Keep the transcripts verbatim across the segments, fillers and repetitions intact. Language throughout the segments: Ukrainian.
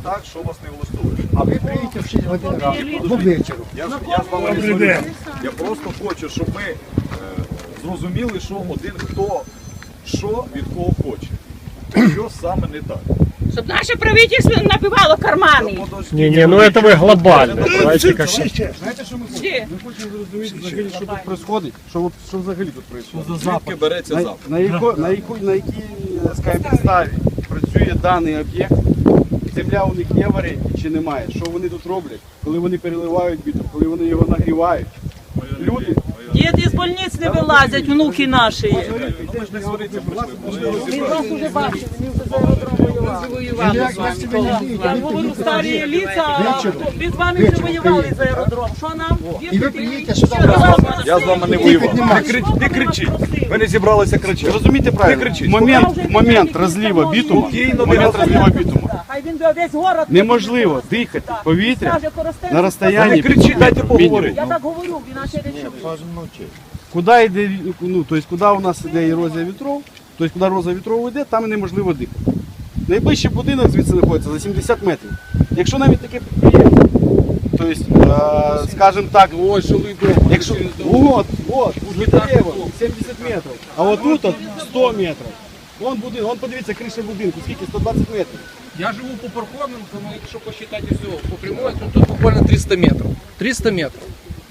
так, що вас не влаштовує. А ви приїдете в шість годин ранку, до вечора. Я, ж- я з вами не спорю. Я просто хочу, щоб ми е, зрозуміли, що один хто що від кого хоче. Що саме не так. Щоб наше правительство не набивало кармани. Не, не, ну это вы глобально. Давайте как Знаєте, що ми хочемо? Чи? Ми хочемо зрозуміти, взагалі, що тут відбувається, що, що взагалі тут відбувається. Звідки береться На, запит? на, яко, на, яку, на якій, скажімо, підставі працює даний об'єкт, земля у них є в оренді чи немає, що вони тут роблять, коли вони переливають бітум, коли вони його нагрівають. Люди, Діти з больниць не вилазять, внуки наші. Ну, ми ж не свариться, ми ж не Він вас уже бачив, він вже за аеродром воював. як я себе не дію, Я говорю, старі ліса, від вами вже воювали за аеродром. Що нам? І ви приїдете сюди. Я з вами не воював. Не, крич, не кричіть. Ви не зібралися кричати. Розумієте правильно? Не кричіть. Момент, момент розлива бітуму, Спокійно, момент не розлива бітуму. Хай він би весь город... Неможливо дихати повітря Скаже, користуйтесь. на розстоянні. Не кричіть, дайте поговорити. Я так говорю, він наче не чує. Куди йде, ну, тобто, куди у нас йде ерозія вітров, тобто, куди ерозія вітров йде, там і неможливо дихати. Найближчий будинок звідси знаходиться за сімдесят метрів. Якщо навіть таке підприємство, тобто, е, скажімо так, ось жилий дом, якщо, от, от, Житаєво, сімдесят метрів, а отут от сто метрів. Вон будинок, вон подивіться, криша будинку, скільки, сто двадцять метрів. Я живу по Пархоменко, но якщо посчитать все по прямой, то тут буквально триста метрів. триста метрів.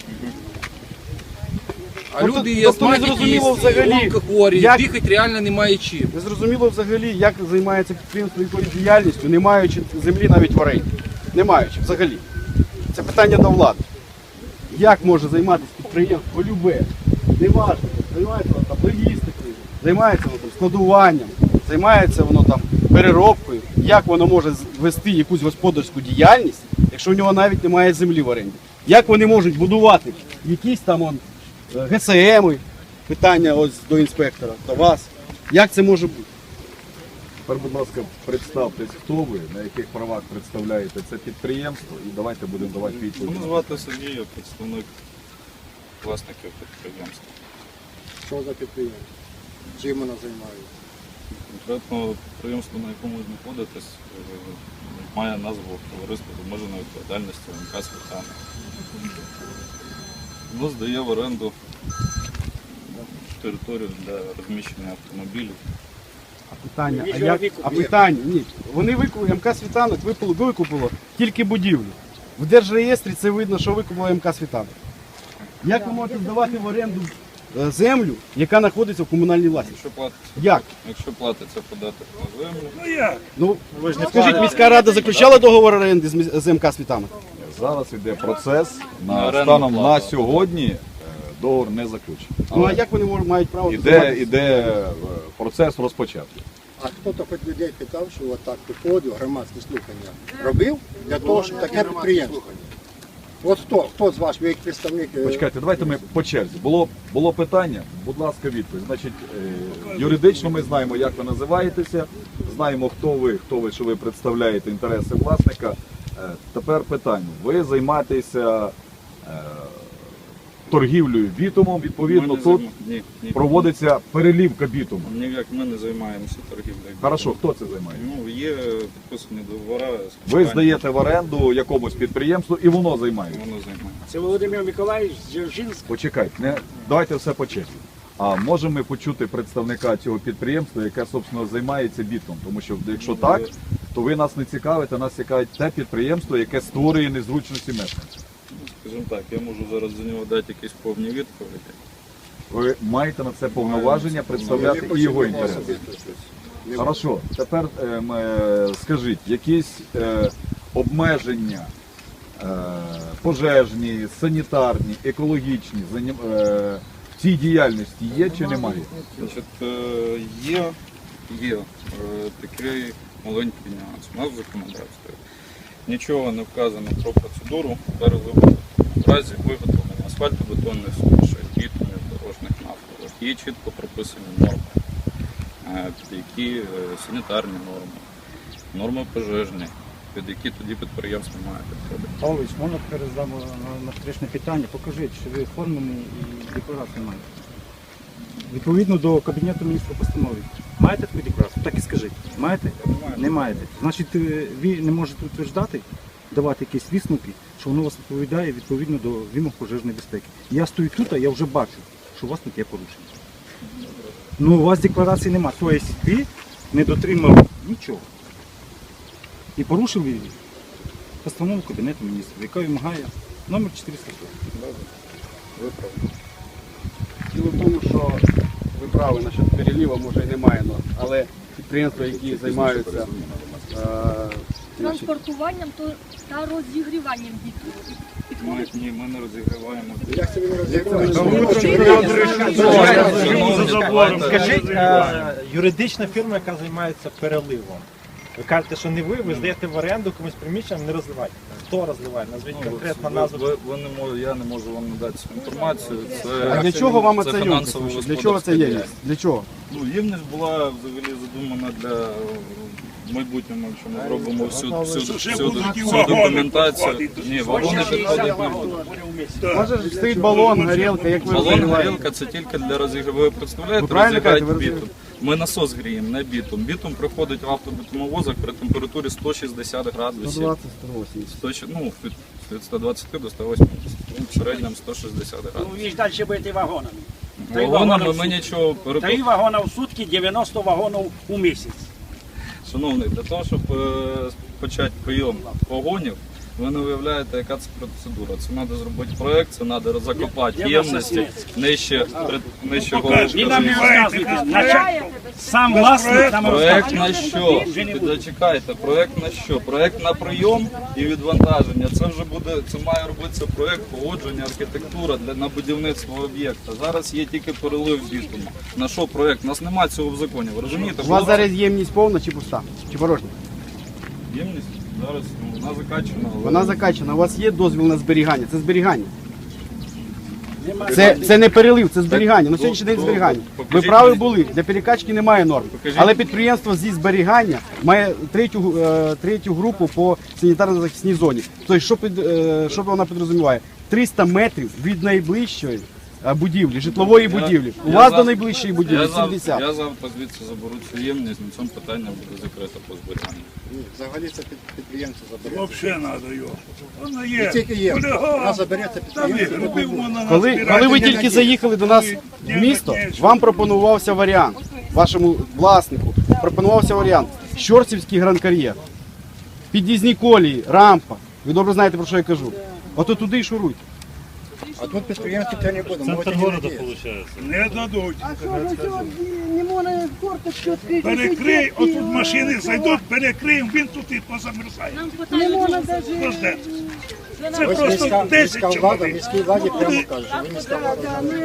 А Тобто- люди є тобто не астматики, зрозуміло взагалі, онкохворі, як- дихати реально немає чим. Незрозуміло взагалі, як займається підприємство якоюсь діяльністю, не маючи землі навіть в оренді. Не маючи взагалі. Це питання до влади. Як може займатися підприємство полюбе? Неважно, займається воно там логістикою, займається воно там складуванням, займається воно там переробкою. Як воно може вести якусь господарську діяльність, якщо в нього навіть немає землі в оренді? Як вони можуть будувати якісь там он, ге се еми, питання ось до інспектора, до вас. Як це може бути? Тепер, будь ласка, представтесь, хто ви, на яких правах представляєте це підприємство, і давайте будемо давати відповідь. Мене звати Сергій, я представник власників підприємства. Що за підприємство? Чим вона займається? Конкретно підприємство, на якому ви знаходитесь, е, має назву товариство з обмеженою відповідальністю ем ка «Світана». Воно здає в оренду територію для розміщення автомобілів. А питання, а як? А питання, ні. Вони викупили, ем ка «Світанок» викупило, викупило тільки будівлю. В держреєстрі це видно, що викупило ем ка «Світанок». Як ви можете здавати в оренду е, землю, яка знаходиться в комунальній власності? Якщо платиться, Як? якщо платиться податок на землю, Ну, скажіть, міська рада заключала договор оренди з міс- з ем ка «Світанок»? Зараз йде процес, На на, оренду станом на плата. сьогодні е, договор не заключений. Ну, а як вони можуть- мають право Іде, займатися? іде е, процес розпочатий. А хто-то хоч людей питав, що отак виходив, громадські слухання робив для того, щоб таке підприємство. От хто, хто з вас, ви як представник? е, Почекайте, давайте ми по черзі. Було, було питання, будь ласка, відповідь. Значить, е, юридично ми знаємо, як ви називаєтеся, знаємо, хто ви, хто ви, що ви представляєте інтереси власника. Е, тепер питання. Ви займаєтеся е, торгівлею бітумом, відповідно, ми не тут займа- ні, ні, проводиться перелівка бітуму. ніяк ми не займаємося торгівлею. Хорошо, хто це займає? Ну, є підписані договори. з Ви компанією, здаєте в оренду якомусь підприємству і воно займає. Воно займається. Це Володимир Миколаївич Дзержинський. Почекайте, не, давайте все по черзі. А можемо ми почути представника цього підприємства, яке, собственно, займається бітом? Тому що якщо так, то ви нас не цікавите, нас цікавить те підприємство, яке створює незручності мешканців. Ну, скажімо так, я можу зараз за нього дати якісь повні відповіді. Ви маєте на це повноваження представляти і його інтереси. Хорошо, тепер ем, е, скажіть, якісь е, обмеження е, пожежні, санітарні, екологічні занім- е, в цій діяльності є чи немає? Значить, е, є, є е, такий маленький нюанс. У нас в законодавстві нічого не вказано про процедуру переливу. В разі виготовлення асфальтобетонних сумішей, бітумів, дорожніх нафтових є чітко прописані норми, е, під які е, санітарні норми, норми пожежні, під які тоді підприємство має підходити. Павлович, можна тепер задамо на встречне питання? Покажіть, що ви оформлені і декларацію маєте. відповідно до Кабінету міністрів постанови. Маєте таку декларацію? Так і скажіть. Маєте? Не маєте. Значить, е, ви не можете утверждати, давати якісь висновки, що воно у вас відповідає відповідно до вимог пожежної безпеки. Я стою тут, а я вже бачу, що у вас тут є порушення. Ну, у вас декларації немає. Тобто ви не дотримали нічого. І порушили постанову Кабінету міністрів, яка вимагає номер чотириста сорок. Діло в тому, що ви праві, насчет переліва може і немає норм, але підприємства, які займаються е, значить, Транспортуванням то- та розігріванням бітуму. Ми, ні, ми не розігріваємо. Як це він розігрує? Скажіть, е, юридична фірма, яка займається переливом. Ви кажете, що не ви, ви здаєте в оренду комусь приміщенням, не розливайте. Хто розливає? Назвіть конкретно назву. Ви, ви не мож, я не можу вам надати цю інформацію. Це, а для чого вам це ця ємність? фінансово Для чого це ємність? діяльність. Для чого? Ну, ємність була взагалі задумана для е, в майбутньому, якщо ми зробимо всю, всю, всю, всю, всю документацію. Ні, вагони підходять не будуть. Може ж стоїть балон, горілка, як ви Балон, розігріваєте? горілка це тільки для розігріву. Ви представляєте, Ви правильно розіграють кажете, ви бітум. Ми насос гріємо, не бітум. Бітум приходить в автобітумовозах при температурі сто шістдесят градусів. сто двадцять - сто вісімдесят. сто, ну, від, від sto двадцять до ста вісімдесят. Ну, в середньому сто шістдесят градусів. Ну, ви ж далі будете вагонами. Три Вагонами вагони в ми сутки. нічого Три перепро... вагони в сутки, дев'яносто вагонів у місяць. Шановний, для того, щоб е, почати прийом вагонів, ви не уявляєте, яка це процедура. Це треба зробити проєкт, це треба закопати Я ємності, вас нижче, при- нижче Ви нам не голови. розказуєте. Начальник, сам власник нам Проект розказує. на що? Зачекайте, проект на що? Проект на прийом і відвантаження. Це вже буде, це має робитися проект погодження, архітектура для на будівництво об'єкта. Зараз є тільки перелив бітуму. На що проект? У нас немає цього в законі. Ви розумієте? У вас Було- зараз ємність повна чи пуста? Чи порожня? ємність зараз ну, вона закачана. але- Вона закачана. У вас є дозвіл на зберігання. Це зберігання. Це, це не перелив, це зберігання. На сьогоднішній день зберігання. Ви Покажіть праві мені. були, для перекачки немає норм. Покажіть. Але підприємство зі зберігання має третю, е, третю групу по санітарно-захисній зоні. Тобто, що, під, е, що вона підрозуміває? триста метрів від найближчої е, будівлі, житлової Я- будівлі. У я вас зав- до найближчої будівлі Я завтра, сімдесят. я завтра звідси заберу цю ємність, на цьому питання буде закрито по зберіганню. Ні, взагалі це під- підприємство забере. Вообще надо його. Воно Не є. тільки є, Полягала. вона забереться Та ви, підприємство. робив вона на Коли, збирання. коли ви тільки заїхали до нас в місто, вам пропонувався варіант, вашому власнику пропонувався варіант Щорцівський гран-кар'єр, під'їзні колії, рампа. Ви добре знаєте, про що я кажу. Ото туди і шуруйте. А тут підприємство це не буде. Центр города, Не дадуть. А що ж сьогодні не можна форточку відкрити? Перекрий, отут машини зайдуть, перекриємо, він тут і позамерзає. Не можна навіть... Подождете. Це Ось просто міська, десять міська влада, чоловік. міській владі прямо каже, що ви міська влада.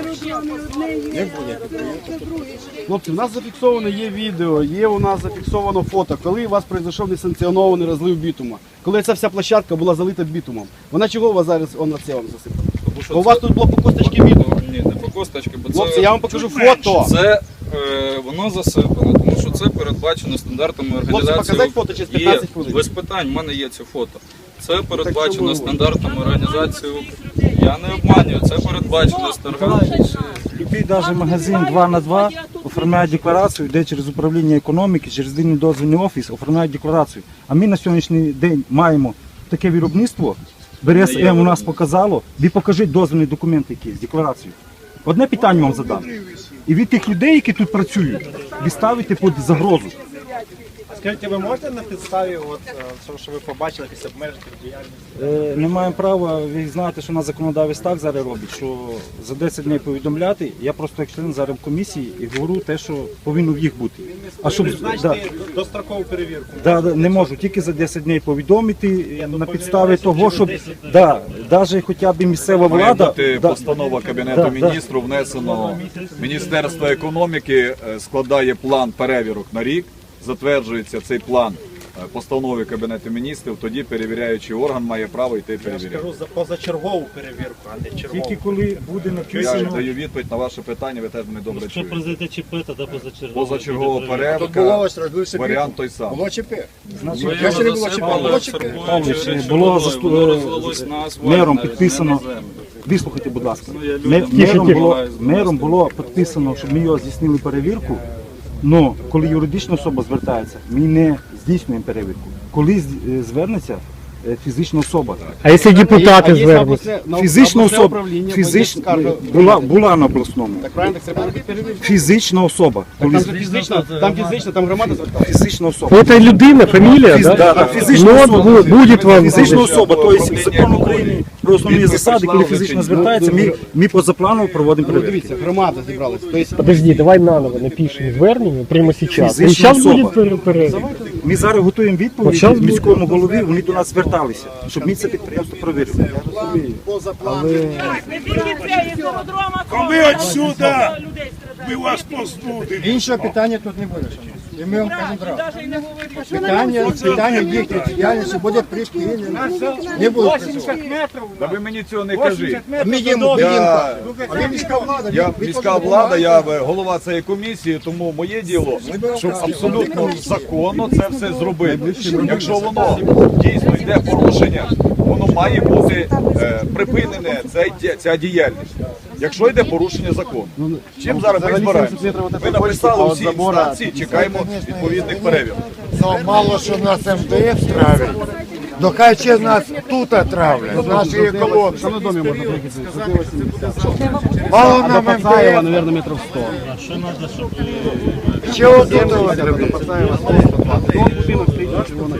Не Не буде підприємство. Хлопці, у нас зафіксовано є відео, є у нас зафіксовано фото, коли у вас пройшов несанкціонований розлив бітума, коли ця вся площадка була залита бітумом. Вона чого у вас зараз он на це вам засипана? Тому що Бо у вас це- тут було по косточки бітуму. Ні, не по косточки, бо це... Хлопці, я вам покажу фото. Це е, воно засипано, тому що це передбачено стандартами організації. показати фото через п'ятнадцять хвилин? Є, без питань, в мене є це фото. Це що передбачено ви стандартами організації. Я не обманюю, це передбачено стандартами. Любий навіть магазин два на два оформляє декларацію, йде через управління економіки, через єдиний дозвільний офіс, оформляє декларацію. А ми на сьогоднішній день маємо таке виробництво, БРСМ у нас показало, ви покажіть дозвільний документ якийсь, декларацію. Одне питання вам задам. І від тих людей, які тут працюють, ви ставите під загрозу. Скажіть, ви можете на підставі, от, е, що, що ви побачили, якісь обмежити діяльність? Е, не маємо права, ви знаєте, що нас законодавець так зараз робить, що за десять днів повідомляти, я просто як член зараз в комісії і говорю те, що повинно в їх бути. А щоб, да, Значить, дострокову перевірку. да, да, не можу, тільки за десять днів повідомити на підставі того, щоб, да, навіть хоча б місцева Має влада... бути да, постанова Кабінету Да, да. міністрів, внесено. Міністерство економіки е, складає план перевірок на рік, затверджується цей план е, постанові Кабінету міністрів, тоді перевіряючий орган має право йти Я ж перевіряти. кажу за позачергову перевірку, а не чергову. Тільки коли буде Я написано, даю відповідь на ваше питання, ви теж мене добре Якщо чуєте. произойде ЧП, тоді позачергова. Позачергова Тут було перевірка, ось розбився варіант той самий. Було ЧП. значить, Ви Якщо не його було ЧП, засипали було ЧП. фарбуючою Павлович, речовиною, було воно засту- розлилось на асфальт, мером навіть підписано. не на землю. Вислухайте, будь ласка. Ну, я Ме- людям Мером не було, намагаюсь мером донести. було підписано, щоб ми його здійснили перевірку, але коли юридична особа звертається, ми не здійснюємо перевірку. Коли з- е, звернеться е, фізична особа, А якщо депутати звернуться? фізична особа, фізична, була, була на обласному, Так правильно, так це буде перевірка. фізична особа, коли Там же фізично, там фізично, там громада звертається. фізична особа. Это людина, фамилия, Фіз- да, да, фізична Ну, особа. бу- будет вам Фізична задача. особа, тобто закон України про основні засади, коли фізично звертається, ми, ми позапланово проводимо Ну, перевірки. дивіться, громада зібралася. Тобто, Подожди, давай наново напишем звернення прямо сейчас. И Фізична сейчас будет особа. пере- перерыв. Ми зараз готуємо От відповідь щас буде. міському голові, вони до нас зверталися, щоб ми це підприємство провірили. Не тільки це, із аеродрома. Коли то- отсюда людей страдає. ми вас позбудемо. Іншого питання тут не буде, шановні. І ми вам кажемо Правда, правду. навіть і не говорить. Питання, питання їхньої діяльності буде припинено. Не буде працювати. Та ви мені цього не кажіть. Ми їмо, ми їмо. Я, А ви міська влада. я ви- ви міська теж влада, я допомагаєте. е, голова цієї комісії, тому моє діло, беремо щоб участь. абсолютно законно це все зробити. Якщо воно дійсно йде порушення, воно має бути е, припинене ця, ді- ця діяльність. Якщо йде порушення закону. Чим зараз ми збираємося? Ми написали всі інстанції, чекаємо відповідних перевірок. Ну, мало що нас ем де еф травить. Ну хай ще нас тут травлять, з нашої колонки. що на домі можна приїхати? Мало А нам до ем де Пацаєва, еф. мабуть, метрів сто. А що треба, щоб Ще отут До ось. Пацаєва сто, сто двадцять. Вон будинок стоїть на червоному.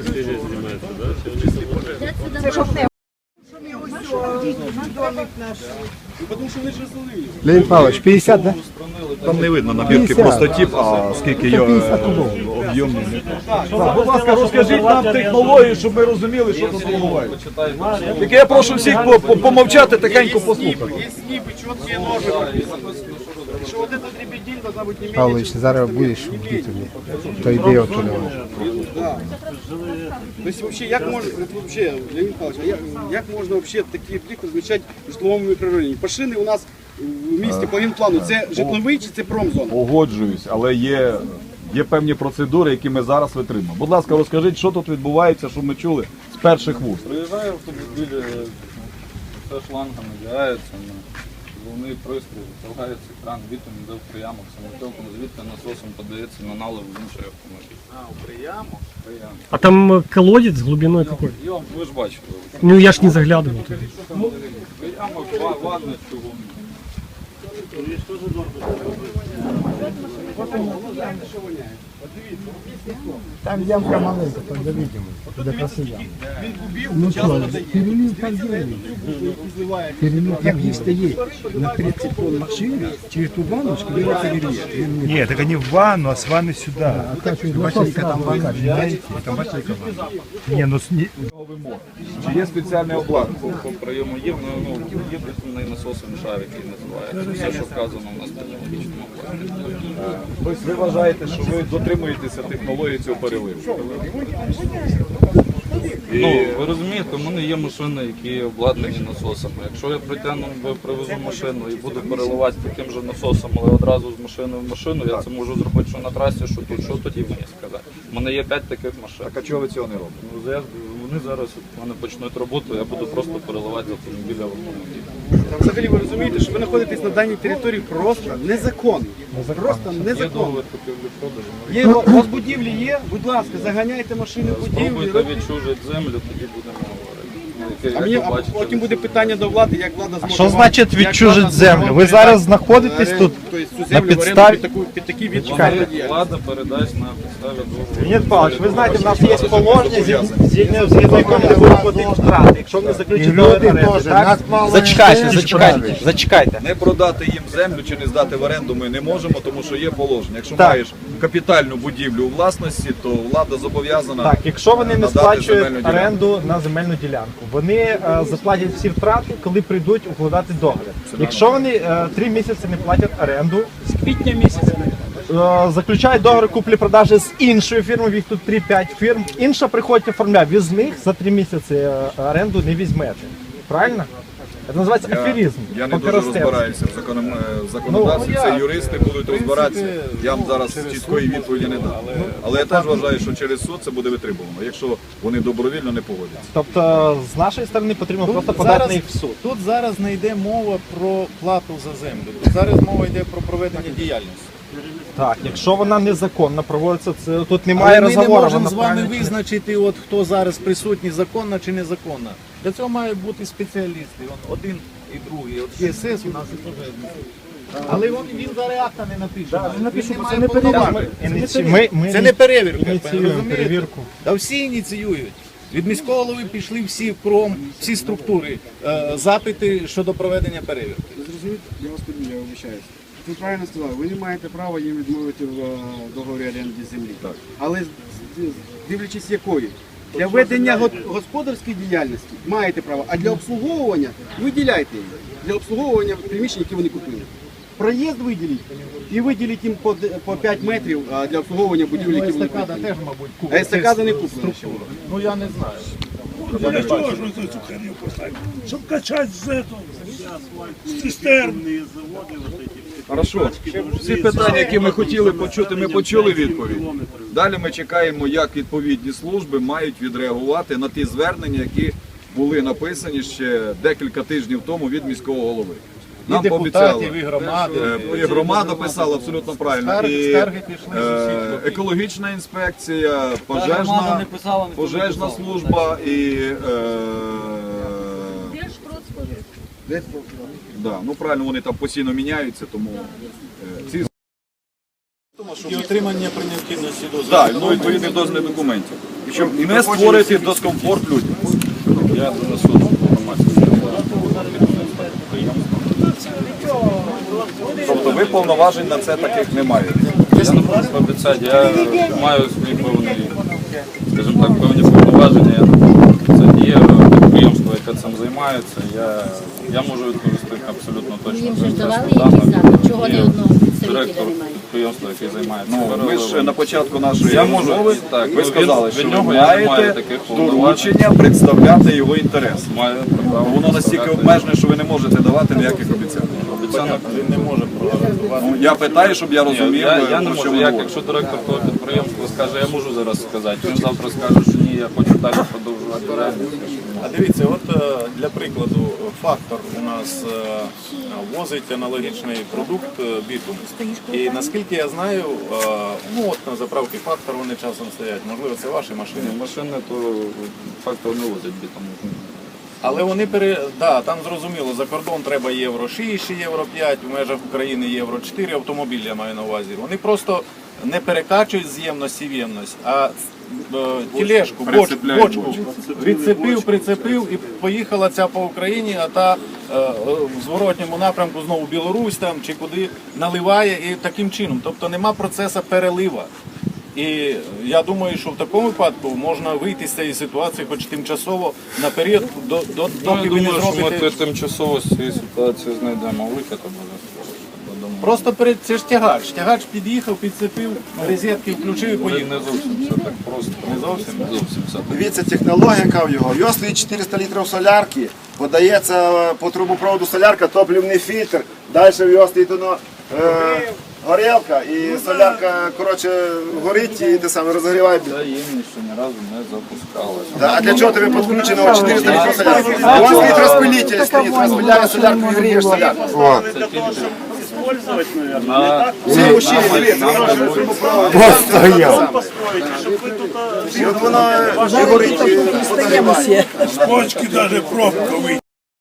Тому що вони ж розлили. Леонід Павлович, п'ятдесят, да? Там не видно набірки просто тип, а скільки є об'ємний. Будь ласка, розкажіть нам технологію, щоб ми розуміли, що тут відбувається. Тільки я прошу всіх по- по- помовчати, тихенько послухати. Є сніпи, чіткі норми. Що от этот ребеділь должна бути не менше. Павлович, зараз будеш в Дітові, то йди оттуда. Да. Тобто, вообще, як можна, от вообще, Леонід Павлович, а як, як можна вообще такий об'єкт розміщати в житловому мікрорайоні? Пашини у нас в місті по генплану, це житловий чи це промзона? Погоджуюсь, але є, є певні процедури, які ми зараз витримуємо. Будь ласка, розкажіть, що тут відбувається, щоб ми чули з перших вуст. Приїжджає автомобіль, все шлангом надягається на головний пристрій, витягається кран, бітум йде в приямок, самотоком, звідти насосом подається на налив в інший автомобіль. А, у приямок? Приямок. А там колодец глубиной какой? Його, ви ж бачили. Ну я ж не заглядывал туда. Приямок, ва- ванна, чугун. Там ямка маленька, там завідомо, туди красиво. Ну що, перелив подземний. Перелив, як їх стоїть на тридцять тонн машини, через ту ванночку він перелив. Ні, так не в ванну, а з ванни сюди. Бачите, яка там ванна, там бачите, яка ванна. Ні, ну ні. Чи є спеціальне обладнання? По прийому є, ну, ну, є бітумний насосом шар, який називається. Все, що вказано у нас в технологічному плані. Тобто ви вважаєте, що ви дотримуєтеся технології цього переливу? Ну, ви розумієте, у мене є машини, які обладнані насосами. Якщо я притягну, привезу машину і буду переливати таким же насосом, але одразу з машини в машину, я це можу зробити що на трасі, що тут. Що тоді мені сказати? У мене є п'ять таких машин. Так а чого ви цього не робите? Ну, я- вони зараз от, вони почнуть роботу, я буду просто переливати з автомобіля в автомобіль. Там взагалі ви розумієте, що ви знаходитесь на даній території просто незаконно. Просто Є незаконно. договір купівлі-продажу. Є, у вас будівлі є, будь ласка, заганяйте машини в будівлі. Спробуйте робіть. відчужити землю, тоді будемо говорити. Ну, яке- А як мені ви а бачите, потім буде питання до влади, як влада зможе. Що вам- значить як відчужить влада землю? зможе Ви вам зараз передати, знаходитесь е, тут тобто цю на землю в оренду підставі- під таку під такі від Влада, діяльність. влада передасть на підставі договору. Леонід Павлович, ви знаєте, в нас є положення, згідно згідно якого ми будемо платити штрафи. Якщо ми заключимо договір оренди, так? Зачекайте, зачекайте, зачекайте. Не продати їм землю чи не здати в оренду ми не можемо, тому що є положення. Якщо Так. маєш капітальну будівлю у власності, то влада зобов'язана. Так, якщо вони не надати сплачують земельну ділянку. оренду на земельну ділянку, вони е, заплатять всі втрати, коли прийдуть укладати договір. Якщо вони е, три місяці не платять оренду, З квітня місяця. е, заключають договори куплі-продажі з іншою фірмою, їх тут три-п'ять фірм. Інша приходить оформляє, ви з них за три місяці е, оренду не візьмете. Правильно? Це називається аферизм. Я не дуже розбираюся в законом- в законодавстві, це юристи будуть розбиратися. Я вам зараз чіткої відповіді не дам. Але я теж вважаю, що через суд це буде витребувано, якщо вони добровільно не погодяться. Тобто з нашої сторони потрібно Тут просто подати зараз- на їх в суд. Тут зараз не йде мова про плату за землю. Тут зараз мова йде про проведення діяльності. Так, якщо вона незаконно проводиться, це тут немає Але ми не розговору. можемо вона з вами правильно чи- визначити, от хто зараз присутній, законно чи незаконно. Для цього мають бути спеціалісти. От один і другий. От Є ес ес у нас і теж. Але він, він зараз акта не напише. Він напише, не бо це має не повноважень. перевірка. Це не Ми- ми Це не перевірка. ініціюємо розумієте? перевірку. Та всі ініціюють. Від міського голови пішли всі кром, всі структури, е, запити щодо проведення перевірки. Зрозумієте, я вас піду, я вибачаюся. Ви правильно сказали, ви не маєте права їм відмовити в е, договорі оренди землі. Так. Але з- з- дивлячись якої? Для ведення го- господарської діяльності маєте право, а для обслуговування виділяйте їм. Для обслуговування приміщень, які вони купили. Проїзд виділіть і виділіть їм по, д- по п'ять метрів а, для обслуговування будівлі, які вони Естакада купили. теж, мабуть, А купить. естакада не куплена ще. Ну я не знаю. Для чого ж ви цю херню поставили? Щоб качати з этого, з цистерн. Хорошо. Всі питання, які ми хотіли почути, ми почули відповідь. Далі ми чекаємо, як відповідні служби мають відреагувати на ті звернення, які були написані ще декілька тижнів тому від міського голови. І депутатів, і громади. Е, і громада писала абсолютно правильно. Скарги- І скарги пішли з усіх е, боків. екологічна інспекція, громада пожежна, не писала, ніхто не пожежна писав. служба і е, да, ну правильно, вони там постійно міняються, тому е, ці І отримання при необхідності дозволу. так, ну відповідних дозвільних документів. Щоб не створити дискомфорт людям. Я донесу інформацію. Тобто ви повноважень на це таких не маєте. Я не можу пообіцяти, я маю свої певні, скажімо так, певні повноваження. Це є підприємство, яке цим займається. Я, я можу відповісти абсолютно точно. Їм за же ж це давали даними. якісь запит, чого Є ні одного представителя директор немає? підприємства, який займається. Ну, ми ж переливом. на початку нашої Я можу, розмови, так, ви ну, сказали, від- що від ви нього я не маю маєте таких повноважень. доручення представляти його інтерес. Маю право Воно настільки представляти. обмежене, що ви не можете давати ніяких обіцянок. Обіцянок він не може проголосувати. Ну, я питаю, щоб я розумів, Я, я не про що можу, ви як, говорите. якщо директор того підприємства скаже, я можу зараз сказати, він завтра скаже, що ні, я хочу далі продовжувати оренду. А дивіться, от е, для прикладу, фактор у нас е, возить аналогічний продукт е, бітум. І наскільки я знаю, е, ну от на заправки фактор вони часом стоять. Можливо, це ваші машини. Машини то фактор не возять бітом. Але вони пере... да, там зрозуміло, за кордон треба євро шість, євро п'ять, в межах України євро чотири автомобілі, я маю на увазі. Вони просто не перекачують з ємності в ємність, а е, тележку, боч, Прицепляють бочку бочку. відцепив, прицепив і поїхала ця по Україні, а та е, в зворотньому напрямку знову Білорусь там чи куди наливає і таким чином. Тобто нема процесу перелива. І я думаю, що в такому випадку можна вийти з цієї ситуації, хоч тимчасово, на період, до, до, Ну, доки я ви не думаю, що ми зробите. тимчасово з цієї ситуації знайдемо вихід обов'язково. Просто перед це ж тягач. Тягач під'їхав, підцепив, розетки включив і Не, поїхав. не зовсім все так просто. Не зовсім? Не зовсім все так. Дивіться, технологія яка в його. В його стоїть чотириста літрів солярки, подається по трубопроводу солярка, топливний фільтр, далі в його стоїть воно, е, горілка і солярка коротше, горить і те саме розгріває. Ця ємність ще ні разу не запускалася. Да, а для чого тобі підключено чотириста літрів солярки? У вас стоїть розпилитель, стоїть, розпиляє солярку і грієш солярку. О. Всі мужчини, дивіться, воно ж трубопровод. І от воно і горить, і розгріває. З бочки навіть пробка вийде.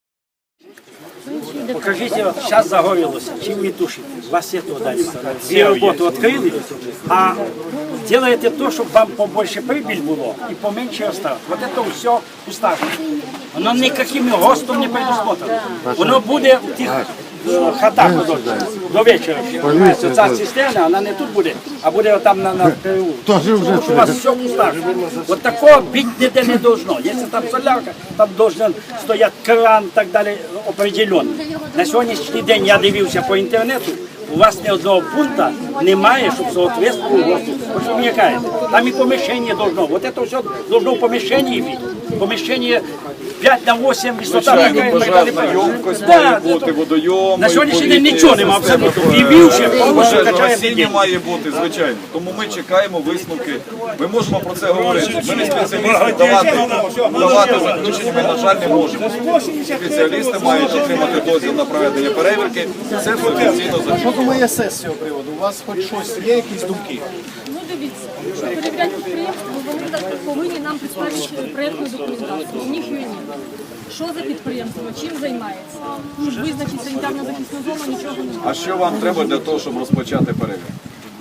Покажите, вот сейчас загорелось, чем вы тушите? У вас нет дальше. Все работы открыли, а делаете то, чтобы вам побольше прибыль было и поменьше осталось. Вот это все пусташно. Оно никаким ГОСТом не предусмотрено. Оно буде в тих е, хатах до вечора. Ця цистерна, вона не тут буде, а буде там на, на переулку. Тому що у вас все пусташно. Вот такого бить ніде не должно. Если там солярка, там должен стоять кран и так далі определенно. На сьогоднішній день я дивився по інтернету, у вас ні одного пункту немає, щоб соответствовало ГОСТу. Вот что мне кажется. Там и помещение должно. Вот это все должно в помещении быть. Помещение п'ять на вісім, висота. Звичайно, пожежна ємкость має бути, водойом. На сьогоднішній день нічого немає абсолютно. І більше, тому що качаємо Насіння дітей. має бути, звичайно. Тому ми чекаємо висновки. Ми можемо про це говорити. Ми не спеціалісти давати, давати заключення, ми, на жаль, не можемо. Спеціалісти мають отримати дозвіл на проведення перевірки. Це офіційно Що заключено. думає СЕС з цього приводу? У вас хоч щось є, якісь думки? Ну дивіться, щоб перевіряти підприємство, вони так повинні нам представити проєктну документацію. У них її немає. Що за підприємство, чим займається? Щоб визначити санітарно-захисну зону, нічого немає. А що вам треба для того, щоб розпочати перевірку?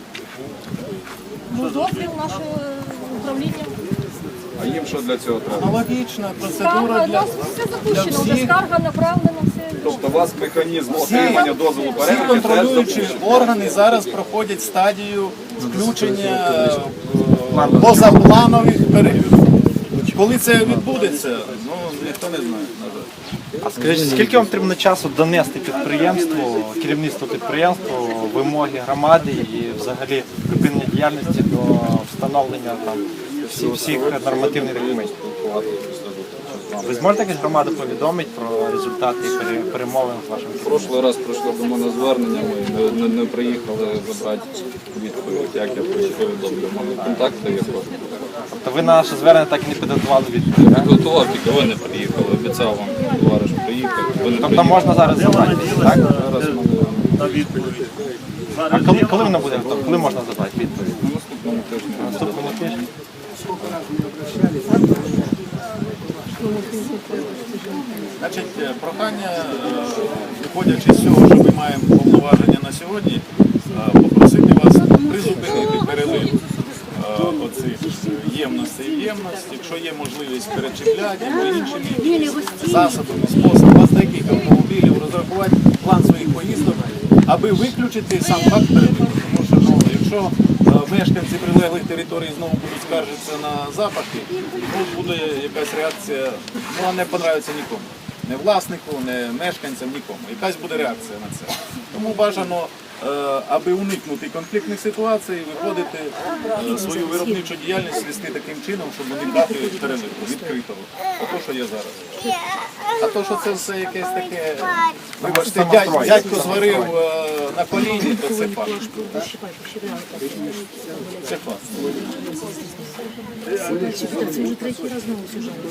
Ну, дозвіл нашого управління. А їм що для цього треба? Аналогічна процедура Скарга, у для, нас все для запущено, вже всіх. скарга направлена, все. Тобто у вас механізм отримання дозволу Всі перевірки теж контролюючі запущений. органи зараз проходять стадію включення е, позапланових перевірок. Коли це відбудеться, ну ніхто не знає. на жаль. А скажіть, скільки вам потрібно часу донести підприємству, керівництву підприємства, вимоги громади і взагалі припинення діяльності до встановлення там всі, всіх нормативних документів? Ви зможете якось громаду повідомити про результати пере- перемовин з вашим В прошлий раз прийшло до мене звернення, ми не, не, не приїхали забрати відповідь, як я повідомлю. У мене контакти є просто. Тобто ви на наше звернення так і не підготували відповідь? так? Підготував, тільки ви не приїхали, обіцяв вам товариш приїхати. Ви не Тобто приїхали. можна зараз забрати, так? Зараз ми На відповідь. А коли, коли вона буде готова? Коли можна забрати відповідь? на наступному тижні. На наступному тижні? Значить, е, прохання, е, виходячи з цього, що ми маємо повноваження на сьогодні, е, попросити вас призупинити перелив е, оцих ємностей і ємностей, якщо є можливість перечіпляти або іншими засобами, способами, у вас декілька автомобілів, розрахувати план своїх поїздок, аби виключити сам факт переливу. Тому що ну, якщо е, мешканці прилеглих територій знову будуть скаржитися на запахи, ну, буде якась реакція, ну, вона не подобається нікому. Не власнику, не мешканцям, нікому. Якась буде реакція на це. Тому бажано, е, аби уникнути конфліктних ситуацій, виходити е, свою виробничу діяльність вести таким чином, щоб уникати переливу відкритого. Ото, що є зараз. А то, що це все якесь таке, вибачте, дядь, дядько зварив е, на коліні, то це факт. Це факт.